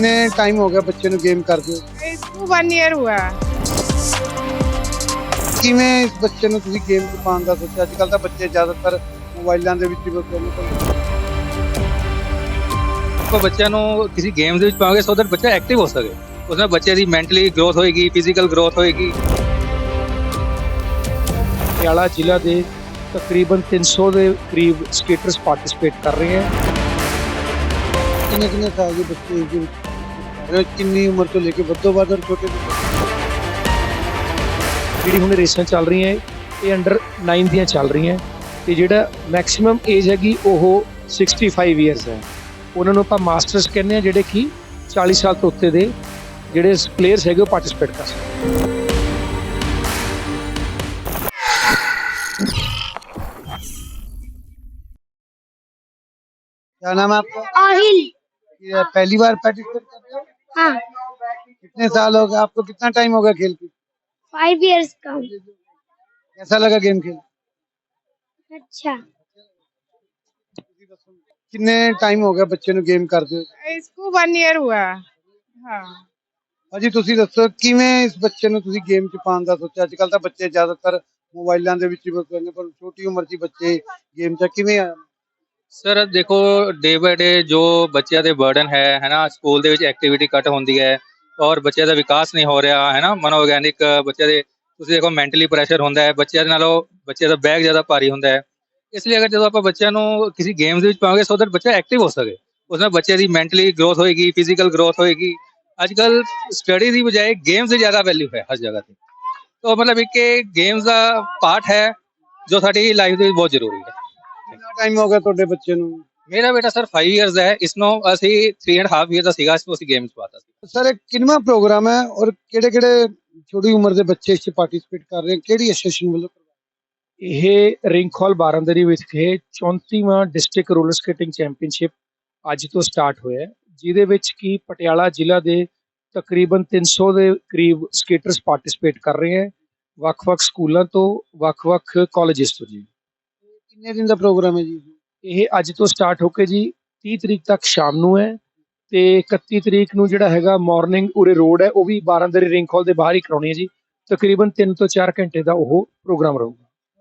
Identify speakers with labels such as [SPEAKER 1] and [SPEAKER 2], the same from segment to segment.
[SPEAKER 1] कितने टाइम हो गया बच्चे ਨੂੰ गेम ਕਰਦੇ
[SPEAKER 2] इसको 1 ईयर हुआ है।
[SPEAKER 1] ਕਿਵੇਂ ਇਸ ਬੱਚੇ ਨੂੰ ਤੁਸੀਂ ਗੇਮ 'ਚ ਪਾਉਣ ਦਾ ਸੋਚਿਆ? ਅੱਜ ਕੱਲ ਤਾਂ ਬੱਚੇ ਜ਼ਿਆਦਾਤਰ ਮੋਬਾਈਲਾਂ ਦੇ ਵਿੱਚ ਹੀ ਬਸ
[SPEAKER 3] ਆਪਾਂ ਬੱਚਿਆਂ ਨੂੰ ਕਿਸੇ ਗੇਮ ਦੇ ਵਿੱਚ ਪਾਵਾਂਗੇ ਸੋ ਦੈਟ ਬੱਚਾ ਐਕਟਿਵ ਹੋ ਸਕੇ। ਉਸ ਨਾਲ ਬੱਚੇ ਦੀ ਮੈਂਟਲੀ ਗਰੋਥ ਹੋਏਗੀ, ਫਿਜ਼ੀਕਲ ਗਰੋਥ ਹੋਏਗੀ।
[SPEAKER 4] ਪਟਿਆਲਾ ਜ਼ਿਲ੍ਹਾ ਦੇ ਤਕਰੀਬਨ 300 ਦੇ ਕਰੀਬ ਸਕੇਟਰਸ ਪਾਰਟਿਸਿਪੇਟ ਕਰ ਰਹੇ ਹਨ।
[SPEAKER 1] ਕਿੰਨੇ ਸਾਲ ਦੇ ਬੱਚੇ ਇਸ ਦੇ ਵਿੱਚ ਕਰ ਰਹੇ ਹੋ? ਕਿੰਨੀ ਉਮਰ ਤੋਂ ਲੈ ਕੇ ਵੱਧੋ ਵੱਧ ਔਰ ਛੋਟੇ ਤੋਂ
[SPEAKER 4] ਜਿਹੜੀ ਹੁਣ ਰੇਸਾਂ ਚੱਲ ਰਹੀਆਂ ਇਹ ਅੰਡਰ 9 ਦੀਆਂ ਚੱਲ ਰਹੀਆਂ ਤੇ ਜਿਹੜਾ ਮੈਕਸਿਮਮ ਏਜ ਹੈਗੀ ਉਹ 65 ਇਅਰਸ ਹੈ। ਉਹਨਾਂ ਨੂੰ ਆਪਾਂ ਮਾਸਟਰਸ ਕਹਿੰਦੇ ਆ ਜਿਹੜੇ ਕਿ 40 ਸਾਲ ਤੋਂ ਉੱਤੇ ਦੇ ਜਿਹੜੇ ਪਲੇਅਰਸ ਹੈਗੇ ਉਹ ਪਾਰਟਿਸਿਪੇਟ ਕਰ ਸਕਦੇ।
[SPEAKER 1] क्या नाम है आपका?
[SPEAKER 5] आहिल।
[SPEAKER 1] ये पहली बार पार्टिसिपेट कर रहे हो?
[SPEAKER 5] हाँ,
[SPEAKER 1] कितने साल हो गए आपको? कितना टाइम हो गया खेल के?
[SPEAKER 5] 5 इयर्स का हूँ।
[SPEAKER 1] कैसा लगा गेम खेल?
[SPEAKER 5] अच्छा,
[SPEAKER 1] कितने टाइम हो गया ਬੱਚੇ ਨੂੰ ਗੇਮ ਕਰਦੇ ਹੋ?
[SPEAKER 2] इसको 1 ईयर हुआ है। हाँ।
[SPEAKER 1] ਭਾਜੀ ਤੁਸੀਂ ਦੱਸੋ ਕਿਵੇਂ ਇਸ ਬੱਚੇ ਨੂੰ ਤੁਸੀਂ ਗੇਮ 'ਚ ਪਾਉਣ ਦਾ ਸੋਚਿਆ? ਅੱਜ ਕੱਲ ਤਾਂ ਬੱਚੇ ਜ਼ਿਆਦਾਤਰ ਮੋਬਾਈਲਾਂ ਦੇ ਵਿੱਚ ਹੀ ਬਸ ਰਹਿੰਦੇ, ਪਰ ਛੋਟੀ ਉਮਰ 'ਚ ਹੀ ਬੱਚੇ ਗੇਮ 'ਚ ਕਿਵੇਂ ਆਇਆ?
[SPEAKER 3] ਸਰ ਦੇਖੋ ਡੇ ਬਾਏ ਡੇ ਜੋ ਬੱਚਿਆਂ ਦੇ ਬਰਡਨ ਹੈ ਨਾ, ਸਕੂਲ ਦੇ ਵਿੱਚ ਐਕਟੀਵਿਟੀ ਘੱਟ ਹੁੰਦੀ ਹੈ ਔਰ ਬੱਚਿਆਂ ਦਾ ਵਿਕਾਸ ਨਹੀਂ ਹੋ ਰਿਹਾ ਹੈ ਨਾ, ਮਨੋਵਿਗਿਆਨਿਕ ਬੱਚਿਆਂ ਦੇ ਤੁਸੀਂ ਦੇਖੋ ਮੈਂਟਲੀ ਪ੍ਰੈਸ਼ਰ ਹੁੰਦਾ ਹੈ ਬੱਚਿਆਂ ਦੇ ਨਾਲੋਂ, ਬੱਚਿਆਂ ਦਾ ਬੈਗ ਜ਼ਿਆਦਾ ਭਾਰੀ ਹੁੰਦਾ ਹੈ। ਇਸ ਲਈ ਅਗਰ ਜਦੋਂ ਆਪਾਂ ਬੱਚਿਆਂ ਨੂੰ ਕਿਸੇ ਗੇਮਸ ਦੇ ਵਿੱਚ ਪਾਵਾਂਗੇ ਸੋ ਦੈਟ ਬੱਚਾ ਐਕਟਿਵ ਹੋ ਸਕੇ। ਉਸ ਨਾਲ ਬੱਚੇ ਦੀ ਮੈਂਟਲੀ ਗਰੋਥ ਹੋਏਗੀ, ਫਿਜ਼ੀਕਲ ਗਰੋਥ ਹੋਏਗੀ। ਅੱਜ ਕੱਲ ਸਟੱਡੀ ਦੀ ਬਜਾਏ ਗੇਮਸ ਦੀ ਜ਼ਿਆਦਾ ਵੈਲਿਊ ਹੈ ਹਰ ਜਗ੍ਹਾ ਤੇ। ਤਾਂ ਮਤਲਬ ਇੱਕ ਗੇਮਸ ਦਾ ਪਾਰਟ ਹੈ ਜੋ ਸਾਡੀ ਲਾਈਫ ਦੇ ਵਿੱਚ ਬਹੁਤ ਜ਼ਰੂਰੀ ਹੈ।
[SPEAKER 1] ਕਿੰਨਾ ਟਾਈਮ ਹੋ ਗਿਆ ਤੁਹਾਡੇ ਬੱਚੇ ਨੂੰ?
[SPEAKER 3] ਮੇਰਾ ਬੇਟਾ ਸਰ 5 ਇਅਰਸ ਦਾ ਹੈ। ਇਸ ਨੂੰ ਅਸੀਂ 3.5 ਇਅਰ ਦਾ ਸੀਗਾ, ਇਸ ਨੂੰ ਅਸੀਂ ਗੇਮਸ ਪਾਤਾ ਸੀ।
[SPEAKER 1] ਸਰ ਇਹ ਕਿੰਨਵਾਂ ਪ੍ਰੋਗਰਾਮ ਹੈ ਔਰ ਕਿਹੜੇ ਛੋਟੀ ਉਮਰ ਦੇ ਬੱਚੇ ਇਸ 'ਚ ਪਾਰਟਿਸਿਪੇਟ ਕਰ ਰਹੇ ਹਨ? ਕਿਹੜੀ ਐਸੋਸੀਏਸ਼ਨ ਵੱਲੋਂ?
[SPEAKER 4] ਇਹ ਰਿੰਗ ਹਾਲ ਬਾਰਾਂਦਰੀ ਵਿਖੇ 34ਵਾਂ ਡਿਸਟ੍ਰਿਕਟ ਰੋਲਰ ਸਕੇਟਿੰਗ ਚੈਂਪੀਅਨਸ਼ਿਪ ਅੱਜ ਤੋਂ ਸਟਾਰਟ ਹੋਇਆ ਹੈ, ਜਿਹਦੇ ਵਿੱਚ ਕਿ ਪਟਿਆਲਾ ਜ਼ਿਲ੍ਹਾ ਦੇ ਤਕਰੀਬਨ 300 ਦੇ ਕਰੀਬ ਸਕੇਟਰਸ ਪਾਰਟਿਸਿਪੇਟ ਕਰ ਰਹੇ ਹਨ, ਵੱਖ-ਵੱਖ ਸਕੂਲਾਂ ਤੋਂ, ਵੱਖ-ਵੱਖ ਕਾਲਜਿਸ ਤੋਂ ਜੀ।
[SPEAKER 1] ਕਿੰਨੇ ਦਿਨ ਦਾ ਪ੍ਰੋਗਰਾਮ ਹੈ ਜੀ?
[SPEAKER 4] ਇਹ ਅੱਜ ਤੋਂ ਸਟਾਰਟ ਹੋ ਕੇ ਜੀ 30 ਤਰੀਕ ਤੱਕ ਸ਼ਾਮ ਨੂੰ ਹੈ ਤੇ 31 ਤਰੀਕ ਨੂੰ ਜਿਹੜਾ ਹੈਗਾ ਮਾਰਨਿੰਗ ਉਰੇ ਰੋਡ ਹੈ ਉਹ ਵੀ ਬਾਰਾਂਦਰੀ ਰਿੰਗ ਹਾਲ ਦੇ ਬਾਹਰ ਹੀ ਕਰਾਉਣੀ ਹੈ ਜੀ। ਤਕਰੀਬਨ 3 ਤੋਂ 4 ਘੰਟੇ ਦਾ ਉਹ ਪ੍ਰੋਗਰਾਮ ਰਹੂਗਾ।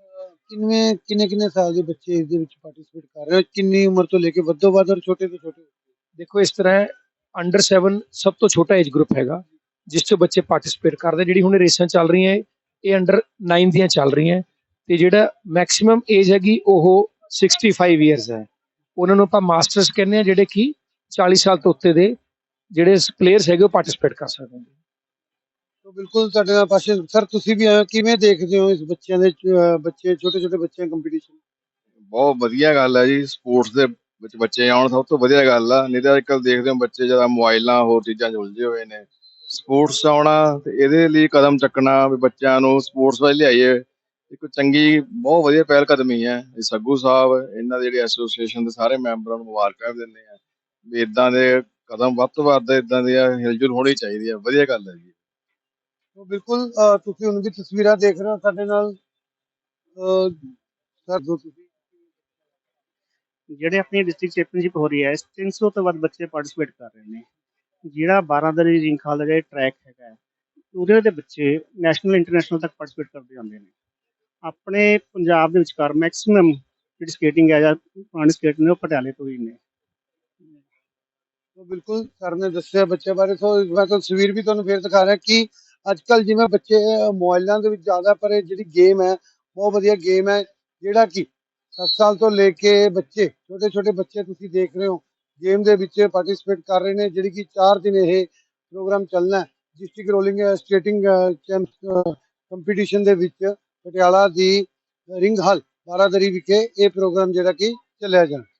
[SPEAKER 1] ਕਿੰਨੇ ਸਾਲ ਦੇ ਬੱਚੇ ਇਸ ਦੇ ਵਿੱਚ ਪਾਰਟਿਸਿਪੇਟ ਕਰ ਰਹੇ ਹੋ? ਕਿੰਨੀ ਉਮਰ ਤੋਂ ਲੈ ਕੇ ਵੱਧੋ ਵੱਧ ਔਰ ਛੋਟੇ ਤੋਂ ਛੋਟੇ?
[SPEAKER 4] ਦੇਖੋ ਇਸ ਤਰ੍ਹਾਂ ਹੈ, ਅੰਡਰ 7 ਸਭ ਤੋਂ ਛੋਟਾ ਏਜ ਗਰੁੱਪ ਹੈਗਾ ਜਿਸ 'ਚ ਬੱਚੇ ਪਾਰਟਿਸਿਪੇਟ ਕਰਦੇ। ਜਿਹੜੀ ਹੁਣ ਰੇਸਾਂ ਚੱਲ ਰਹੀਆਂ ਇਹ ਅੰਡਰ 9 ਦੀਆਂ ਚੱਲ ਰਹੀਆਂ ਤੇ ਜਿਹੜਾ ਮੈਕਸਿਮਮ ਏਜ ਹੈਗੀ ਉਹ 65 ਇਅਰਸ ਹੈ। ਉਹਨਾਂ ਨੂੰ ਆਪਾਂ ਮਾਸਟਰਸ ਕਹਿੰਦੇ ਆ ਜਿਹੜੇ ਕਿ 40 ਸਾਲ ਤੋਂ ਉੱਤੇ ਦੇ ਜਿਹੜੇ ਪਲੇਅਰਸ ਹੈਗੇ ਉਹ ਪਾਰਟਿਸਿਪੇਟ ਕਰ ਸਕਦੇ ਨੇ।
[SPEAKER 1] ਤਾਂ ਬਿਲਕੁਲ ਤੁਹਾਡੇ ਨਾਲ ਪਾਸੇ ਸਰ ਤੁਸੀਂ ਵੀ ਆਏ, ਕਿਵੇਂ ਦੇਖਦੇ ਹੋ ਇਸ ਬੱਚਿਆਂ ਦੇ ਬੱਚੇ ਛੋਟੇ ਬੱਚਿਆਂ ਕੰਪੀਟੀਸ਼ਨ?
[SPEAKER 6] ਬਹੁਤ ਵਧੀਆ ਗੱਲ ਹੈ ਜੀ, ਸਪੋਰਟਸ ਦੇ ਵਿੱਚ ਬੱਚੇ ਆਉਣ ਸਭ ਤੋਂ ਵਧੀਆ ਗੱਲ ਆ। ਨਹੀਂ ਤਾਂ ਅੱਜ ਕੱਲ੍ਹ ਦੇਖਦੇ ਹੋ ਬੱਚੇ ਜ਼ਿਆਦਾ ਮੋਬਾਈਲਾਂ ਹੋਰ ਚੀਜ਼ਾਂ 'ਚ ਉਲਝੇ ਹੋਏ ਨੇ। ਸਪੋਰਟਸ 'ਚ ਆਉਣਾ ਤੇ ਇਹਦੇ ਲਈ ਕਦਮ ਚੱਕਣਾ ਵੀ ਬੱਚਿਆਂ ਨੂੰ ਸਪੋਰਟਸ ਵੱਲ ਲਿਆਈਏ, ਇੱਕ ਚੰਗੀ ਬਹੁਤ ਵਧੀਆ ਪਹਿਲ ਕਦਮੀ ਹੈ। ਇਹ ਸੱਗੂ ਸਾਹਿਬ ਇਹਨਾਂ ਦੇ ਜਿਹੜੇ ਐਸੋਸੀਏਸ਼ਨ ਦੇ ਸਾਰੇ ਮੈਂਬਰਾਂ ਨੂੰ ਮੁਬਾਰਕਾਂ ਦਿੰਦੇ ਆ ਵੀ ਇੱਦਾਂ ਦੇ ਕਦਮ ਵੱਧ ਤੋਂ ਵੱਧ ਇੱਦਾਂ ਦੀ ਹਿਲਜੁਲ ਹੋਣੀ ਚਾਹੀਦੀ ਹੈ। ਵਧੀਆ ਗੱਲ ਹੈ ਜੀ।
[SPEAKER 1] ਤਾਂ ਬਿਲਕੁਲ ਤੁਸੀਂ ਹੁਣ ਵੀ ਤਸਵੀਰਾਂ ਦੇਖ ਰਹੇ ਹੋ ਸਾਡੇ ਨਾਲ ਸਰ ਜੋ ਤੁਸੀਂ
[SPEAKER 7] ਜਿਹੜੇ ਆਪਣੀ ਡਿਸਟ੍ਰਿਕਟ ਚੈਂਪੀਅਨਸ਼ਿਪ ਹੋ ਰਹੀ ਹੈ 300 ਤੋਂ ਵੱਧ ਬੱਚੇ ਪਾਰਟਿਸਿਪੇਟ ਕਰ ਰਹੇ ਨੇ। ਜਿਹੜਾ ਬਾਰਾਂਦਰੀ ਰਿੰਗ ਹਾਲ ਦਾ ਜਿਹੜਾ ਟਰੈਕ ਹੈਗਾ ਉਹਦੇ ਦੇ ਬੱਚੇ ਨੈਸ਼ਨਲ ਇੰਟਰਨੈਸ਼ਨਲ ਤੱਕ ਪਾਰਟਿਸਿਪੇਟ ਕਰਦੇ ਜਾਂਦੇ ਨੇ। ਆਪਣੇ ਪੰਜਾਬ ਦੇ ਵਿਚਕਾਰ ਮੈਕਸਿਮਮ ਜਿਹੜੀ ਸਕੇਟਿੰਗ ਹੈ ਜਾਂ ਪੁਰਾਣੀ ਸਕੇਟ ਨੇ ਉਹ ਪਟਿਆਲੇ ਤੋਂ ਹੀ ਨੇ।
[SPEAKER 1] ਤਾਂ ਬਿਲਕੁਲ ਸਰ ਨੇ ਦੱਸਿਆ ਬੱਚਿਆਂ ਬਾਰੇ। ਸੋ ਮੈਂ ਤਸਵੀਰ ਵੀ ਤੁਹਾਨੂੰ ਫੇਰ ਦਿਖਾ ਰਿਹਾ ਕਿ ਅੱਜ ਕੱਲ੍ਹ ਜਿਵੇਂ ਬੱਚੇ ਮੋਬਾਈਲਾਂ ਦੇ ਵਿੱਚ ਜ਼ਿਆਦਾ, ਪਰ ਇਹ ਜਿਹੜੀ ਗੇਮ ਹੈ ਬਹੁਤ ਵਧੀਆ ਗੇਮ ਹੈ ਜਿਹੜਾ ਕਿ 7 ਸਾਲ ਤੋਂ ਲੈ ਕੇ ਬੱਚੇ ਛੋਟੇ ਬੱਚੇ ਤੁਸੀਂ ਦੇਖ ਰਹੇ ਹੋ ਗੇਮ ਦੇ ਵਿੱਚ ਪਾਰਟਿਸਿਪੇਟ ਕਰ ਰਹੇ ਨੇ। ਜਿਹੜੀ ਕਿ 4 ਦਿਨ ਇਹ ਪ੍ਰੋਗਰਾਮ ਚੱਲਣਾ ਹੈ। ਡਿਸਟ੍ਰਿਕਟ ਰੋਲਿੰਗ ਸਕੇਟਿੰਗ ਕੰਪੀਟੀਸ਼ਨ ਦੇ ਵਿੱਚ ਪਟਿਆਲਾ ਦੀ ਰਿੰਗ ਹਾਲ ਬਾਰਾਂਦਰੀ ਵਿਖੇ ਇਹ ਪ੍ਰੋਗਰਾਮ ਜਿਹੜਾ ਕਿ ਚੱਲਿਆ ਜਾਣਾ।